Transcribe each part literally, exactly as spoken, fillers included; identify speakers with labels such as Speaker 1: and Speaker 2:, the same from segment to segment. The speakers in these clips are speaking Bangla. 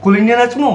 Speaker 1: কুলিনিয়া নাচমো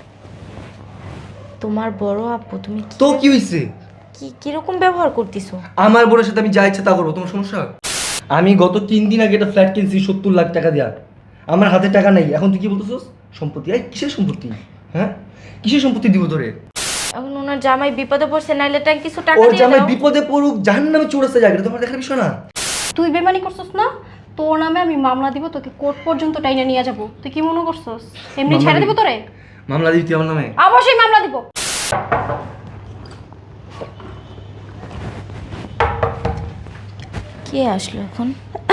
Speaker 2: তোমার বড় আপু তুমি কি
Speaker 1: তো কি হইছে?
Speaker 2: কি কিরকম ব্যবহার করতেছো?
Speaker 1: আমার বোনের সাথে আমি যা ইচ্ছা তা করবো, তোমার সমস্যা? আমি গত তিন দিন আগে একটা ফ্ল্যাট কিনছি সত্তর লাখ টাকা দেওয়া। আমার হাতে টাকা নাই, এখন তুই কি বলতেছস সম্পত্তি? এই কিসের সম্পত্তি? হ্যাঁ, কিসের সম্পত্তি দিব তোরে?
Speaker 2: এখন ওনার জামাই বিপদে পড়ছে, নাইলে টাকা কিছু টাকা
Speaker 1: ওর
Speaker 2: দিয়ে
Speaker 1: জামাই
Speaker 2: দাও।
Speaker 1: বিপদে পড়ুক, জাহান্নামে চোরাস্তা যাক, এটা তোমার দেখার বিষয় না।
Speaker 3: তুই বেমানি করছস না? তোর নামে আমি মামলা দিব, তোকে কোর্ট পর্যন্ত টাইনা নিয়ে যাব। তুই কি মনে করছস এমনি
Speaker 1: মামলা
Speaker 3: ছেড়ে
Speaker 1: দিবি?
Speaker 3: দিব তোরে?
Speaker 1: মামলা দিবি তুই আমার নামে?
Speaker 3: অবশ্যই মামলা দিব।
Speaker 2: কে আসলো এখন?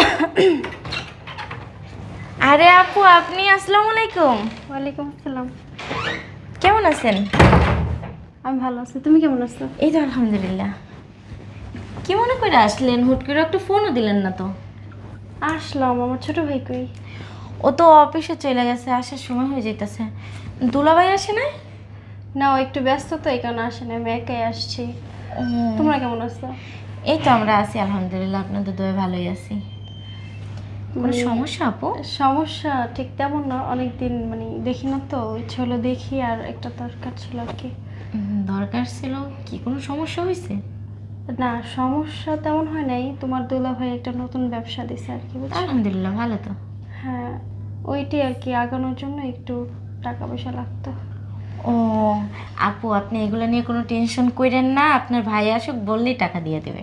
Speaker 2: আরে আপু, আপনি? আসসালামু আলাইকুম।
Speaker 3: ওয়ালাইকুম আসসালাম।
Speaker 2: কেমন আছেন?
Speaker 3: আমি ভালো আছি, তুমি কেমন আছো?
Speaker 2: এই তো আলহামদুলিল্লাহ। কি মনে করে আসলেন? হুট করে একটা ফোনও দিলেন না তো।
Speaker 3: আসলাম, আমার ছোট ভাই কই?
Speaker 2: ও তো অফিসে চলে গেছে, আসার সময় হয়ে যাইতেছে। দুলাভাই আসে না?
Speaker 3: না, ও একটু ব্যস্ত তো, এই কারণে আসে না, আমি একাই আসছি।
Speaker 2: উম,
Speaker 3: তোমরা কেমন আছো?
Speaker 2: এই তো আমরা আছি আলহামদুলিল্লাহ, আপনাদের দয়ে ভালোই আছি। কোনো
Speaker 3: মানে
Speaker 2: সমস্যা আপু?
Speaker 3: সমস্যা ঠিক তেমন না, অনেকদিন মানে দেখি না তো, ইচ্ছে হলো দেখি, আর একটা দরকার ছিল আর কি।
Speaker 2: উম, দরকার ছিল? কি কোনো সমস্যা হয়েছে?
Speaker 3: না, সমস্যা তেমন হয় নাই, তোমার দুলা ভাই একটা নতুন ব্যবসা দিছে আর কি, বুঝছো?
Speaker 2: আলহামদুলিল্লাহ, ভালো তো।
Speaker 3: হ্যাঁ, ওইটি আর কি, আগানোর জন্য একটু টাকা পয়সা লাগতো।
Speaker 2: ও আপু, আপনি এগুলো নিয়ে কোনো টেনশন করেন না, আপনার ভাই আসুক, বললেই টাকা দিয়ে দেবে।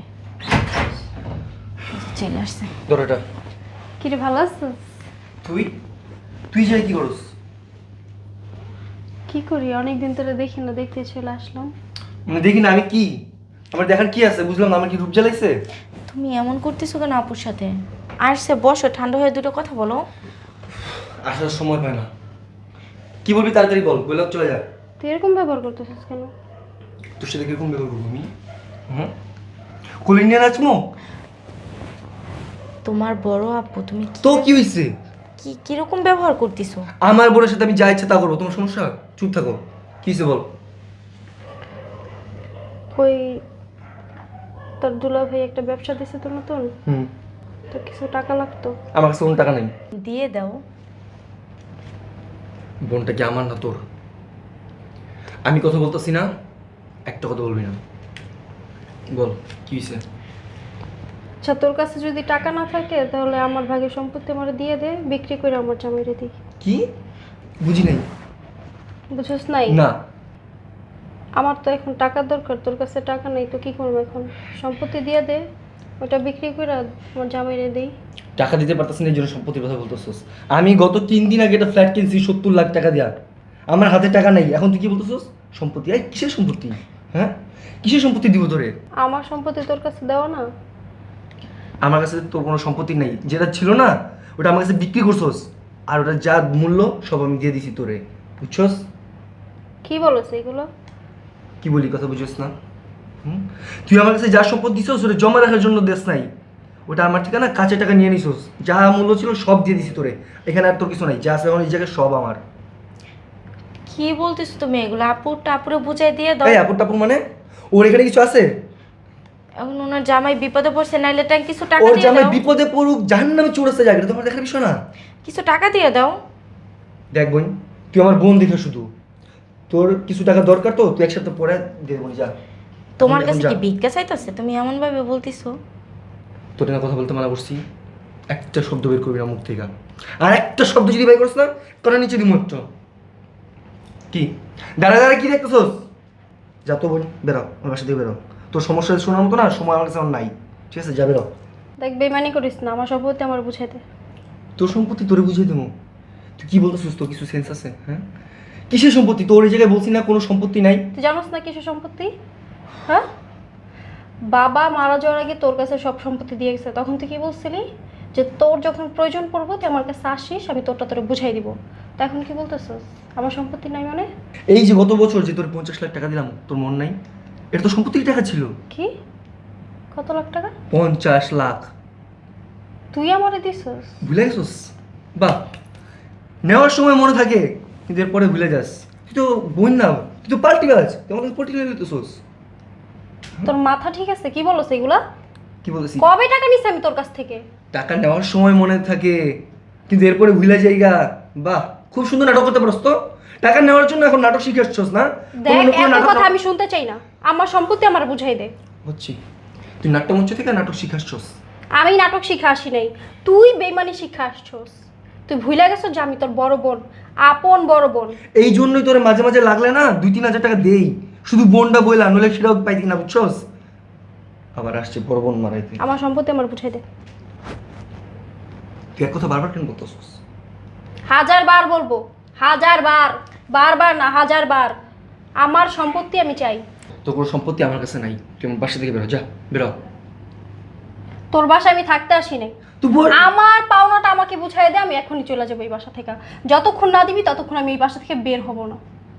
Speaker 2: চলে আসছে।
Speaker 1: ধর এটা।
Speaker 3: কিরে, ভালো আছো?
Speaker 1: তুই তুই যাই কি করস?
Speaker 3: কি করি, অনেকদিন ধরে দেখি না, দেখতে চলে আসলাম।
Speaker 1: মানে দেখি না আমি কি? আমার দেখার কি আছে? বুঝলাম না, আমার কি রূপ জ্বালাইছে?
Speaker 2: তুমি এমন করতেছো কেন আপুর সাথে? আসছে, বসো, ঠান্ডা হয়ে দুটো কথা বলো।
Speaker 1: আসার সময় পায় না। কি বলবি তাড়াতাড়ি বল, বললাম চলে যা।
Speaker 3: তুই এরকম ব্যবহার করতেছিস কেন?
Speaker 1: তোর সাথে কিরকম ব্যবহার করবো আমি? হুম, কুলিনিয়া নাচমো
Speaker 2: তোমার বড় আপু তুমি কি
Speaker 1: তো কি হইছে?
Speaker 2: কি কিরকম ব্যবহার করতেছো?
Speaker 1: আমার বোনের সাথে আমি যা ইচ্ছা তা করবো, তোমার সমস্যা? চুপ থাকো। কি হইছে বল।
Speaker 3: ওই তোর দুলা ভাই একটা ব্যবসা দিছে তো নতুন,
Speaker 1: হুম,
Speaker 3: তো কিছু টাকা লাগতো।
Speaker 1: আমার কাছে কোনো টাকা নেই।
Speaker 2: দিয়ে দাও।
Speaker 1: বোনটা কি আমার না তোর? আমি কথা বলতেছি না, একটা কথা বলবি না। বল কি হয়েছে?
Speaker 3: আচ্ছা, তোর কাছে যদি টাকা না থাকে তাহলে আমার ভাগের সম্পত্তি আমার দিয়ে দে, বিক্রি করে আমার জামাইরে দিই।
Speaker 1: কি? বুঝি নাই।
Speaker 3: বুঝছস নাই?
Speaker 1: না,
Speaker 3: আমার তো এখন টাকার দরকার, তোর কাছে টাকা নেই তো কি করবো এখন? সম্পত্তি দিয়ে দে, ওটা বিক্রি করে আমার জামাইরে দেই।
Speaker 1: টাকা দিতে পারতেছি না, এই জন্য সম্পত্তির কথা বলতেছস। আমি গত তিন দিন আগে একটা ফ্ল্যাট কিনছি সত্তর লাখ টাকা দেওয়া। আমার হাতে টাকা নাই, এখন তুই কি বলতেছস সম্পত্তি? এই কিসের সম্পত্তি? হ্যাঁ, কিসের সম্পত্তি দিব তোরে?
Speaker 3: আমার সম্পত্তি তোর কাছে দেওয়া না?
Speaker 1: আমার কাছে তোর কোনো সম্পত্তি নেই, যেটা ছিল না ওটা আমার কাছে বিক্রি করছস, আর ওটা যা মূল্য সব আমি দিয়ে দিছি তোরে, বুঝছস?
Speaker 3: কি বলেছে এগুলো?
Speaker 1: কি বলি কথা বুঝছস না? হুম, তুই আমার কাছে যা সম্পদ দিছস ওটা জমা রাখার জন্য দেশ নাই, ওটা আমার ঠিকানা কাঁচা টাকা নিয়ে নিছস, যা মূল্য ছিল সব দিয়ে দিছি তোরে। এখানে আর তোর কিছু নাই, যা আছে এখন এই জায়গায় সব আমার।
Speaker 2: কি বলতেছো তুমি এগুলো? আপুর টাপুরে বুঝাই দিয়ে দাও।
Speaker 1: এই আপুর টাপুর মানে? ওর এখানে কিছু আছে?
Speaker 2: এখন ওনার জামাই বিপদে পড়ছে, নাইলে টাকা কিছু টাকা
Speaker 1: ওর
Speaker 2: দিয়ে
Speaker 1: জামাই
Speaker 2: দাও।
Speaker 1: বিপদে পড়ুক, জাহান্নামে চোরাস্তা যাক, এটা তোমার দেখার বিষয় না।
Speaker 2: কিছু টাকা দিয়ে দাও।
Speaker 1: দেখ বোন, তুই আমার বোন দেখে শুধু, তোর কিছু টাকা দরকার তো তুই এক সপ্তাহ পরে দিয়ে দেবো, যা।
Speaker 2: তোমার
Speaker 1: এখন
Speaker 2: কাছে
Speaker 1: যা।
Speaker 2: কি ভিক্ষা চাইতেছে? তুমি এমন ভাবে বলতিছো।
Speaker 1: তোর না কথা বলতে মানা করছি, একটা শব্দ বের করবি না মুখ থেকে, আর একটা শব্দ যদি বের করিস না তোরা নিচে দিমু একটা। কি দাঁড়া দাঁড়া কি দেখতেছস? যা তো বোন, বেরো আমার বাসা থেকে বেরো। তোর সমস্যা শোনার মতো না সময় আমার কাছে আমার নাই, ঠিক আছে? যা বেরো।
Speaker 3: দেখ, বেমানি করিস না, আমার সম্পত্তি আমার বুঝাই দে।
Speaker 1: তোর সম্পত্তি তোরে বুঝিয়ে দেবো? তুই কি বলতেছিস? তোর কিছু সেন্স আছে? হ্যাঁ, কিসের সম্পত্তি? তোর এই জায়গায় বলছি না কোনো সম্পত্তি নাই।
Speaker 3: তুই জানোস না কিসের সম্পত্তি? হ্যাঁ, বাবা মারা যাওয়ার আগে তোর কাছে সব সম্পত্তি দিয়ে গেছে, তখন তুই কি বলছিলি যে তোর যখন প্রয়োজন পড়বো তুই আমার কাছে আসিস, আমি তোরটা তোরে বুঝাই দিব। তা এখন কি বলতেছস আমার সম্পত্তি নাই মানে?
Speaker 1: এই যে গত বছর যে তোর পঞ্চাশ লাখ টাকা দিলাম, তোর মন নাই? এটা তো সম্পত্তির টাকা ছিল।
Speaker 3: কি? কত লাখ টাকা?
Speaker 1: পঞ্চাশ লাখ।
Speaker 3: তুই আমারে দিছস?
Speaker 1: ভুলে গেছিস? বাহ, নেওয়ার সময় মনে থাকে কিন্তু এরপরে ভুলে যাস। তুই তো বোন না, তুই তো পাল্টি গাছ, তুই আমাকে পাল্টি গাছ দিতেছিস।
Speaker 3: তোর মাথা ঠিক আছে? কি বলছ এগুলা?
Speaker 1: কি বলতেছি?
Speaker 3: কবে টাকা নিছি আমি তোর কাছ থেকে?
Speaker 1: টাকা নেওয়ার সময় মনে থাকে কিন্তু এরপরে ভুলে যাইগা। বাহ, খুব সুন্দর নাটক করতে পারস তো। টাকা নেওয়ার জন্য এখন নাটক শিখে আসছস না?
Speaker 3: দেখ,
Speaker 1: কোনো নতুন
Speaker 3: এত
Speaker 1: নাটক
Speaker 3: কথা
Speaker 1: না-
Speaker 3: আমি শুনতে চাই না। আমার সম্পত্তি আমার বুঝাই দে।
Speaker 1: বুঝছি, তুই নাট্যমঞ্চ থেকে নাটক শিখে আসছস।
Speaker 3: আমি নাটক শিখা আসি নাই, তুই বেইমানি শিখা আসছস। তুই ভুলে গেছো যে আমি তোর বড় বোন, আপন বড় বোন।
Speaker 1: এই জন্যই তোরে মাঝে মাঝে লাগলে না দুই তিন হাজার টাকা দেই, শুধু বোনটা বইলা, নইলে সেটাও পাইতি না, বুঝছস? আবার আসছে বড় বোন মারাইতে।
Speaker 3: আমার সম্পত্তি আমার বুঝাই দে।
Speaker 1: তুই এক কথা বারবার কেন বলতেছস?
Speaker 3: হাজার বার বলবো, হাজার বার, বারবার না হাজার বার। আমার সম্পত্তি আমি চাই।
Speaker 1: তোর কোনো সম্পত্তি আমার কাছে নাই, তুই আমার বাসা থেকে বেরো, যা বেরো।
Speaker 3: তোর বাসায় আমি থাকতে আসি নাই।
Speaker 1: তুই বল।
Speaker 3: আমার পাওনাটা আমাকে বুঝাই দে, আমি এখনই চলে যাবো এই বাসা থেকে। যতক্ষণ না দিবি ততক্ষণ আমি এই বাসা থেকে বের হব না।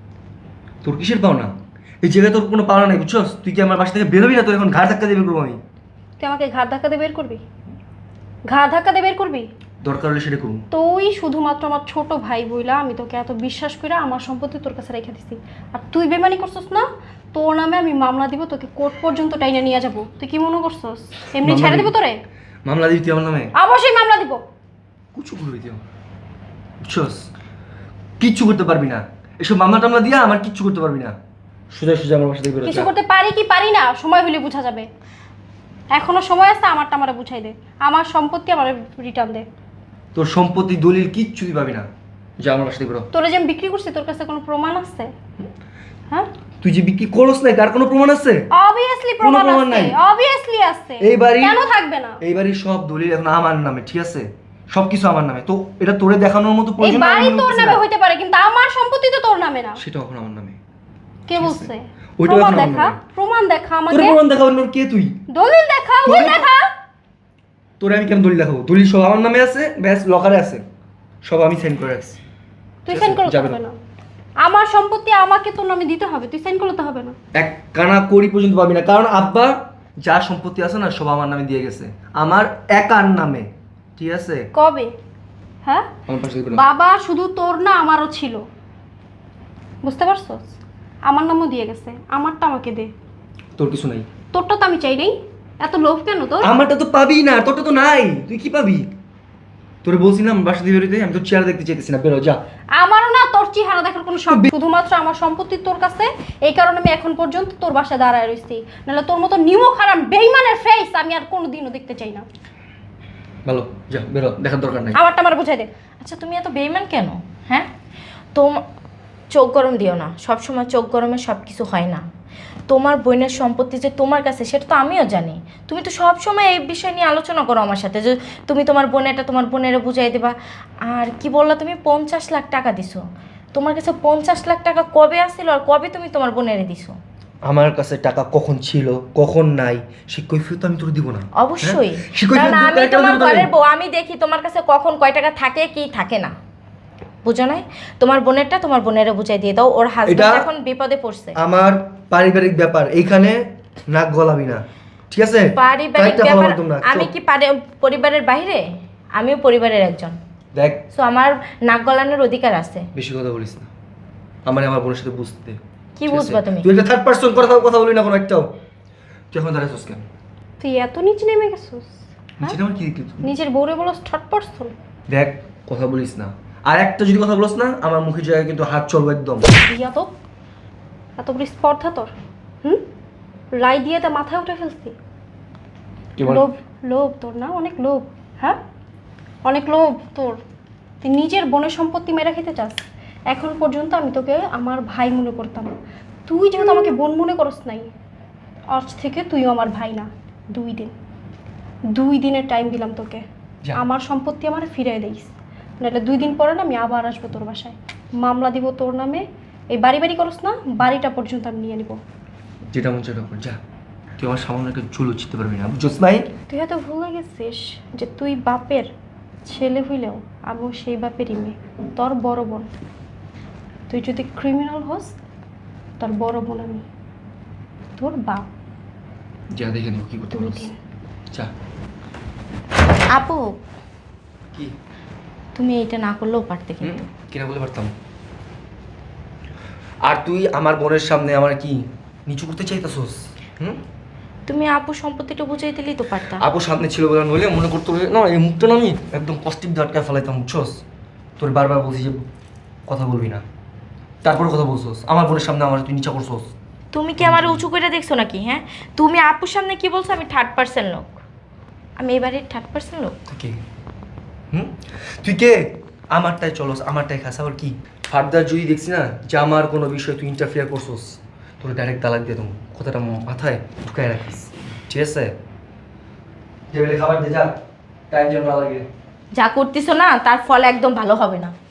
Speaker 1: তোর কিসের পাওনা? এই জায়গায় তোর কোনো পাওনা নাই, বুঝছস? তুই কি আমার বাসা থেকে বেরোবি না? তোর এখন ঘাড় ধাক্কা দেবে করবো আমি।
Speaker 3: তুই আমাকে ঘাড় ধাক্কা দিয়ে বের করবি? ঘাড় ধাক্কা দিয়ে বের করবি?
Speaker 1: দরকার হলে সেটা করুন।
Speaker 3: তুই শুধুমাত্র আমার ছোট ভাই বইলা আমি তোকে এত বিশ্বাস করে আমার সম্পত্তি তোর কাছে রেখে দিছি, আর তুই বেমানি করছস না? তোর নামে আমি মামলা দিব, তোকে কোর্ট পর্যন্ত টাইনে নিয়ে যাবো। তুই কি মনে করছস এমনি
Speaker 1: মামলা
Speaker 3: ছেড়ে
Speaker 1: দিবি?
Speaker 3: দিব তোরে?
Speaker 1: মামলা দিবি তুই আমার নামে?
Speaker 3: অবশ্যই মামলা দিব।
Speaker 1: কুচু করবি তুই, বুঝছস? কিচ্ছু করতে পারবি না, এসব মামলা টামলা দিয়া আমার কিচ্ছু করতে পারবি না। সোজা সোজা আমার বাসা থেকে বেরো,
Speaker 3: কিছু
Speaker 1: যা।
Speaker 3: করতে পারি কি পারি না সময় হলে বোঝা যাবে। এখনো সময় আছে, আমারটা আমারে বুঝাই দে। আমার সম্পত্তি আমার রিটার্ন দে।
Speaker 1: তোর সম্পত্তি দলিল কিচ্ছু তুই পাবি না, যা আমার বাসা থেকে বেরো।
Speaker 3: তোরে যে আমি বিক্রি করছি তোর কাছে কোনো প্রমাণ আছে? হ্যাঁ,
Speaker 1: তুই যে বিক্রি করস নাই তার কোনো প্রমাণ আছে?
Speaker 3: অবভিয়াসলি
Speaker 1: কোনো
Speaker 3: প্রমাণ
Speaker 1: প্রমাণ
Speaker 3: আছে,
Speaker 1: নাই।
Speaker 3: অবভিয়াসলি আছে।
Speaker 1: এই বাড়ি
Speaker 3: কেন থাকবে না?
Speaker 1: এই বাড়ির সব দলিল এখন আমার নামে, ঠিক আছে? সবকিছু আমার নামে। তো এটা তোরে দেখানোর মতো
Speaker 3: এই
Speaker 1: প্রয়োজন
Speaker 3: বাড়ি
Speaker 1: আমার মনে
Speaker 3: তোর
Speaker 1: হচ্ছে
Speaker 3: নামে
Speaker 1: না।
Speaker 3: হইতে পারে, কিন্তু আমার সম্পত্তি তো তোর নামে না।
Speaker 1: সেটা এখন আমার নামে।
Speaker 3: কে বলছে?
Speaker 1: ওইটাও
Speaker 3: প্রমাণ
Speaker 1: এখন আমার
Speaker 3: দেখা,
Speaker 1: নামে।
Speaker 3: প্রমাণ দেখা
Speaker 1: তোরে
Speaker 3: আমাকে।
Speaker 1: প্রমাণ দেখাবার কে তুই?
Speaker 3: দলিল দেখা, উকিল
Speaker 1: দলিল-
Speaker 3: দেখা।
Speaker 1: তোরে আমি কেন দলিল দেখাবো? দলিল সব আমার নামে আছে, ব্যাস লকারে আছে, সব আমি সাইন করে রাখছি।
Speaker 3: তুই
Speaker 1: ঠিক
Speaker 3: সাইন
Speaker 1: আছে,
Speaker 3: করতে
Speaker 1: যাবে
Speaker 3: হবে
Speaker 1: না।
Speaker 3: না। আমার সম্পত্তি আমাকে তোর নামে দিতে হবে, তুই সাইন করতে হবে না।
Speaker 1: এক কানা কড়ি পর্যন্ত পাবি না, কারণ আব্বা যা সম্পত্তি আছে না সব আমার নামে দিয়ে গেছে, আমার একার নামে, ঠিক আছে?
Speaker 3: কবে? হ্যাঁ,
Speaker 1: আমার পাশে থেকে বেরো।
Speaker 3: বাবা শুধু তোর না আমারও ছিল, বুঝতে পারছস? আমার নামও দিয়ে গেছে, আমারটা আমাকে দে।
Speaker 1: তোর কিছু নাই।
Speaker 3: তোরটা তো আমি চাই নাই। এত লোভ কেন তোর?
Speaker 1: আমারটা তো পাবি না, তোরটা তো নাই, তুই কি পাবি? তোরে বলছি না আমার বাসা দিয়ে বেরোতে, আমি তো চেয়ার দেখতে চাইতেছি না, বেরো যা।
Speaker 3: আমারও না তোর চেহারা দেখার কোনো শখ, শুধুমাত্র আমার সম্পত্তি তোর কাছে, এই কারণে আমি এখন পর্যন্ত তোর বাসায় দাঁড়ায় রইছি। নাহলে তোর মতো নিমক হারাম বেইমানের ফেস আমি আর কোনোদিনও দেখতে চাই না।
Speaker 1: ভালো, যা বেরো, দেখার দরকার নাই।
Speaker 3: আমারটা আমার বুঝাই দে।
Speaker 2: আচ্ছা তুমি এত বেইমান কেন? হ্যাঁ, তোম চোখ গরম দিও না, সব সময় চোখ গরমে সব কিছু হয় না। তোমার বোনের সম্পত্তি যে তোমার কাছে সেটা তো আমিও জানি। তুমি তো সব সময় এই বিষয় নিয়ে আলোচনা করো আমার সাথে, যে তুমি তোমার বোনেরটা তোমার বোনেরা বুঝাই দেবা। আর কি বললা তুমি? পঞ্চাশ লাখ টাকা দিছো। তোমার কাছে পঞ্চাশ লাখ টাকা কবে আসছিল আর কবে তুমি তোমার বোনেরে দিছো?
Speaker 1: আমার কাছে টাকা কখন ছিল কখন নাই সে কৈফিয়ত আমি তোর দিব না।
Speaker 2: অবশ্যই,
Speaker 1: হ্যাঁ? সে কৈফিয়ত
Speaker 2: কারণ
Speaker 1: দিতে
Speaker 2: আমি
Speaker 1: একটা
Speaker 2: তোমার
Speaker 1: দিব তোরে।
Speaker 2: ঘরের বউ, আমি দেখি তোমার কাছে কখন কয় টাকা থাকে কি থাকে না, বুঝো নাই? তোমার বোনেরটা তোমার বোনেরে বুঝাই দিয়ে দাও, ওর হাজবেন্ড
Speaker 1: এটা-
Speaker 2: এখন বিপদে পড়ছে।
Speaker 1: আমার পারিবারিক ব্যাপার, এইখানে নাক গলাবি না, ঠিক আছে?
Speaker 2: পারিবারিক
Speaker 1: কয়েকটা কথা
Speaker 2: ব্যাপার,
Speaker 1: বলতাম না,
Speaker 2: আমি
Speaker 1: চুপ।
Speaker 2: কি পারি- পরিবারের বাইরে? আমিও পরিবারের একজন,
Speaker 1: দেখ
Speaker 2: সো আমার নাক গলানোর অধিকার আছে।
Speaker 1: বেশি কথা বলিস না, আমার আমার বোনের সাথে বুঝতে দে,
Speaker 2: কি
Speaker 1: ঠিক আছে?
Speaker 2: বুঝবা তুমি?
Speaker 1: তুই একটা থার্ড পারসন কথা কথা বলি না কোনো একটাও। তুই এখন দাঁড়াইছিস কেন?
Speaker 3: তুই এত নিচে নেমে গেছিস?
Speaker 1: নিচে আমার কি দেখলি তুই?
Speaker 3: নিজের বউরে বলস থার্ড পারসন?
Speaker 1: দেখ কথা বলিস না, আর একটা যদি কথা বলিস না আমার মুখের জায়গায় কিন্তু হাত চলবে একদম।
Speaker 3: ইয়া তো এত বড় স্পর্ধা তোর? হুম, রায় দিয়ে তা মাথায় উঠে ফেলছি।
Speaker 1: কি বল?
Speaker 3: লোভ, লোভ তোর না, অনেক লোভ। হ্যাঁ, অনেক লোভ তোর। তুই নিজের বোনের সম্পত্তি মেরে খেতে চাস। এখন পর্যন্ত আমি তোকে আমার ভাই মনে করতাম, তুই যেহেতু আমাকে বোন মনে করস নাই, আজ থেকে তুইও আমার ভাই না। দুই দিন, দুই দিনের টাইম দিলাম তোকে,
Speaker 1: যা।
Speaker 3: আমার সম্পত্তি আমার ফিরিয়ে দিস, নাহলে দুই দিন পরে না আমি আবার আসবো তোর বাসায়, মামলা দিব তোর নামে। এই বাড়ি বাড়ি করস না, বাড়িটা পর্যন্ত আমি নিয়ে নিব।
Speaker 1: যেটা মন সেটা কর, যা। তুই আমার সামান্য একটা চুল উচ্ছিতে পারবি না, বুঝছিস নাই?
Speaker 3: তুই হয়তো ভুলে গেছিস যে তুই বাপের ছেলে হইলেও আমিও সেই বাপেরই মেয়ে, তোর বড় বোন। তুই যদি ক্রিমিনাল হোস, তোর বড় বোন আমি, তোর বাপ।
Speaker 1: যা দেখে নেবো কি করতে
Speaker 3: দুই
Speaker 1: পারিস,
Speaker 3: দিন।
Speaker 1: যা।
Speaker 2: আপু,
Speaker 1: কি
Speaker 2: তুমি এটা না করলেও পারতে
Speaker 1: হুম,
Speaker 2: কিন্তু।
Speaker 1: কিনা বলতে পারতাম। আর তুই আমার বোনের সামনে আমার কি নিচু করতে চাইতাছস? হুম,
Speaker 2: তুমি আপু সম্পত্তিটা বুঝাই দিলেই তো পারতা।
Speaker 1: আপু সামনে ছিল বলে নইলে মনে করতো যে, না এই মুখটা না আমি একদম পজিটিভ ধাটকায় ফেলাইতাম, বুঝছস? তোর বারবার বলছি যে কথা বলবি না। তারপরে কথা বলছোস আমার বোনের সামনে আমার তুই নিচা করছোস।
Speaker 2: তুমি কি আমার উঁচু করে দেখছো নাকি? হ্যাঁ, তুমি আপুর সামনে কি বলছো? আমি থার্ড পার্সেন্ট লোক, আমি এবারে থার্ড পার্সেন্ট লোক।
Speaker 1: তুই কে? হুম, তুই কে? আমারটাই চলস, আমারটাই খাস। আবার কি ফার্দার যদি দেখছি না যে আমার কোনো বিষয়ে তুই ইন্টারফেয়ার করছোস, তোর ডাইরেক্ট তালাক দিয়ে দেবো। কথাটা মাথায় ঢুকায় রাখিস, ঠিক আছে? টেবিলে খাবার দে, যা, টাইম যেন না লাগে।
Speaker 2: যা করতেছো না তার ফল একদম ভালো হবে না।